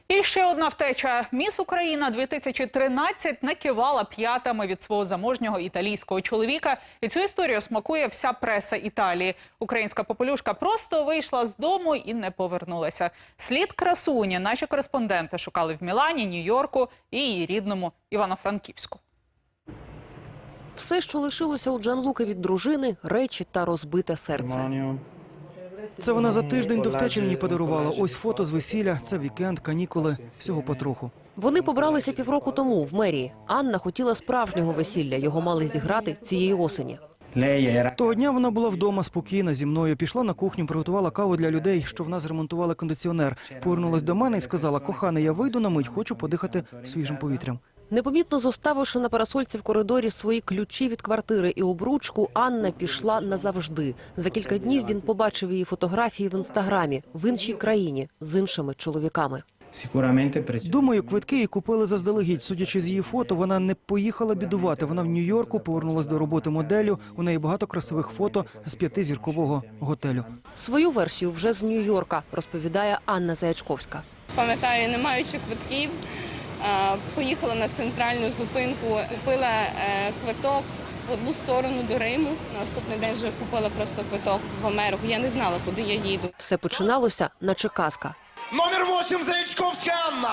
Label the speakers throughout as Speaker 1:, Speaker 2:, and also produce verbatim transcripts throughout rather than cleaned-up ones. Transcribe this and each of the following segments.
Speaker 1: І ще одна втеча. Міс Україна дві тисячі тринадцять накивала п'ятами від свого заможнього італійського чоловіка. І цю історію смакує вся преса Італії. Українська попелюшка просто вийшла з дому і не повернулася. Слід красуні наші кореспонденти шукали в Мілані, Нью-Йорку і її рідному Івано-Франківську.
Speaker 2: Все, що лишилося у Джанлуки від дружини – речі та розбите серце.
Speaker 3: Це вона за тиждень до втечі мені подарувала. Ось фото з весілля, це вікенд, канікули, всього потроху.
Speaker 2: Вони побралися півроку тому в мерії. Анна хотіла справжнього весілля, його мали зіграти цієї осені.
Speaker 3: Того дня вона була вдома спокійна зі мною, пішла на кухню, приготувала каву для людей, що в нас ремонтували кондиціонер. Повернулась до мене і сказала: «Коханий, я вийду на мить, хочу подихати свіжим повітрям».
Speaker 2: Непомітно зоставивши на парасольці в коридорі свої ключі від квартири і обручку, Анна пішла назавжди. За кілька днів він побачив її фотографії в інстаграмі в іншій країні з іншими чоловіками.
Speaker 3: Думаю, квитки їй купили заздалегідь. Судячи з її фото, вона не поїхала бідувати. Вона в Нью-Йорку, повернулась до роботи моделлю. У неї багато красивих фото з п'ятизіркового готелю.
Speaker 2: Свою версію вже з Нью-Йорка розповідає Анна Заячковська.
Speaker 4: Пам'ятаю, не маючи квитків, поїхала на центральну зупинку, купила квиток в одну сторону до Риму. На наступний день вже купила просто квиток в Америку. Я не знала, куди я їду.
Speaker 2: Все починалося, наче казка.
Speaker 5: Номер восемь Заячковська Анна.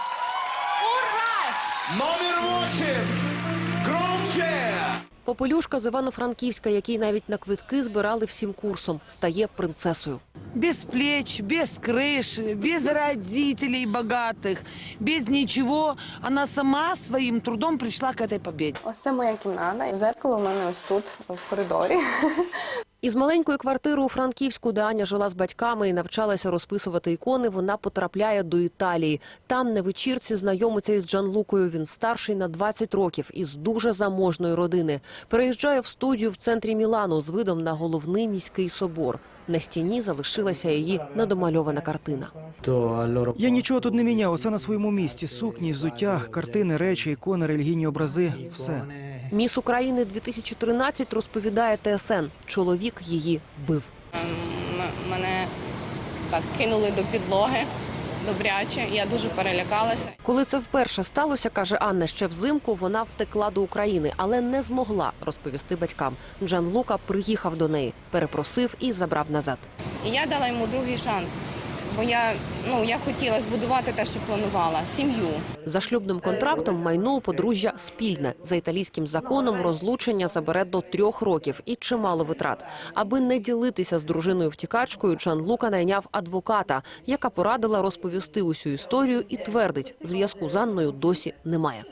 Speaker 5: Ура! Номер восемь. Громче!
Speaker 2: Попелюшка з Івано-Франківська, який навіть на квитки збирали всім курсом, стає принцесою.
Speaker 6: Без плеч, без крыши, без родителей богатых, без ничего. Она сама своим трудом пришла к этой победе.
Speaker 4: Ось це моя кімната. Зеркало у мене ось тут, в коридорі.
Speaker 2: Із маленької квартири у Франківську, де Аня жила з батьками і навчалася розписувати ікони, вона потрапляє до Італії. Там на вечірці знайомиться із Джанлукою. Він старший на двадцять років, із дуже заможної родини. Переїжджає в студію в центрі Мілану з видом на головний міський собор. На стіні залишилася її недомальована картина.
Speaker 3: Я нічого тут не міняв, усе на своєму місці. Сукні, взуття, картини, речі, ікони, релігійні образи – все.
Speaker 2: Міс України дві тисячі тринадцять розповідає Т С Н. Чоловік її бив.
Speaker 4: Мене так кинули до підлоги добряче. Я дуже перелякалася.
Speaker 2: Коли це вперше сталося, каже Анна, ще взимку вона втекла до України, але не змогла розповісти батькам. Джанлука приїхав до неї, перепросив і забрав назад.
Speaker 4: І я дала йому другий шанс. Бо я, ну, я хотіла збудувати те, що планувала – сім'ю.
Speaker 2: За шлюбним контрактом майно у подружжя спільне. За італійським законом розлучення забере до трьох років і чимало витрат. Аби не ділитися з дружиною-втікачкою, Джанлука найняв адвоката, яка порадила розповісти усю історію і твердить, зв'язку з Анною досі немає.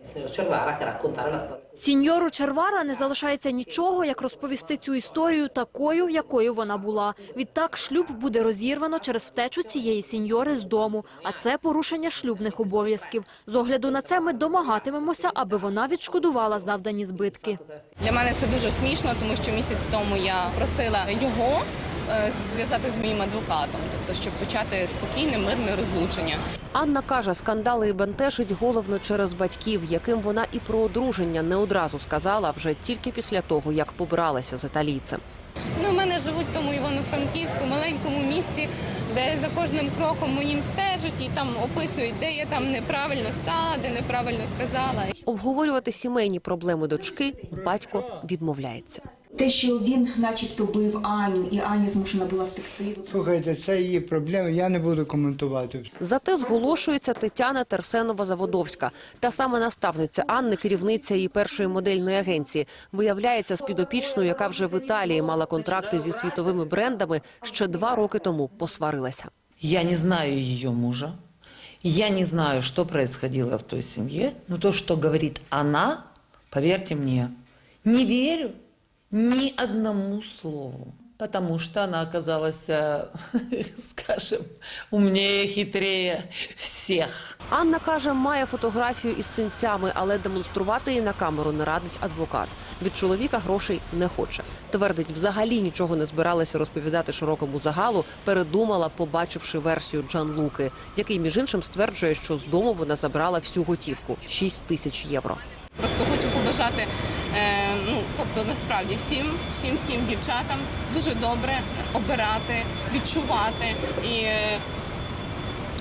Speaker 7: Сіньору Червара не залишається нічого, як розповісти цю історію такою, якою вона була. Відтак шлюб буде розірвано через втечу цієї сіньори з дому, а це порушення шлюбних обов'язків. З огляду на це ми домагатимемося, аби вона відшкодувала завдані збитки.
Speaker 4: Для мене це дуже смішно, тому що місяць тому я просила його зв'язати з моїм адвокатом, тобто щоб почати спокійне, мирне розлучення.
Speaker 2: Анна каже, скандали і бентежить головно через батьків, яким вона і про одруження не одразу сказала, вже тільки після того, як побралася з італійцем.
Speaker 4: Ну, в мене живуть в тому Івано-Франківську, маленькому місці, де за кожним кроком моїм стежать і там описують, де я там неправильно стала, де неправильно сказала.
Speaker 2: Обговорювати сімейні проблеми дочки батько відмовляється.
Speaker 8: Те, що він начебто бив Аню, і Аня змушена була втекти.
Speaker 9: Слухайте, це її проблеми, я не буду коментувати.
Speaker 2: Зате зголошується Тетяна Терсенова-Заводовська. Та саме наставниця Анни, керівниця її першої модельної агенції. Виявляється, з підопічною, яка вже в Італії мала контракти зі світовими брендами, ще два роки тому посварилася.
Speaker 6: Я не знаю ее мужа. Я не знаю, что происходило в той семье. Но то, что говорит она, поверьте мне, не верю ни одному слову. Потому что она оказалась, скажем, умнее, хитрее всех.
Speaker 2: Анна каже, має фотографію із синцями, але демонструвати її на камеру не радить адвокат. Від чоловіка грошей не хоче. Твердить, взагалі нічого не збиралася розповідати широкому загалу, передумала, побачивши версію Джанлуки, який, між іншим, стверджує, що з дому вона забрала всю готівку – шість тисяч євро.
Speaker 4: Просто хочу побажати, е, ну, тобто, насправді, всім, всім, всім дівчатам дуже добре обирати, відчувати і е,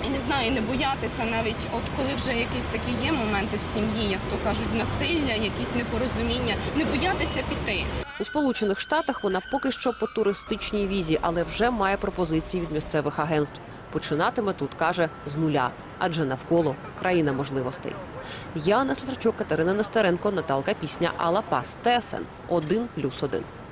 Speaker 4: не знаю, не боятися навіть, от коли вже якісь такі є моменти в сім'ї, як то кажуть, насилля, якісь непорозуміння, не боятися піти.
Speaker 2: У Сполучених Штатах вона поки що по туристичній візі, але вже має пропозиції від місцевих агентств. Починатиме тут, каже, з нуля, адже навколо країна можливостей. Яна Слесарчук, Катерина Нестеренко, Наталка Пісня, Алла Пас, Т С Н один плюс один.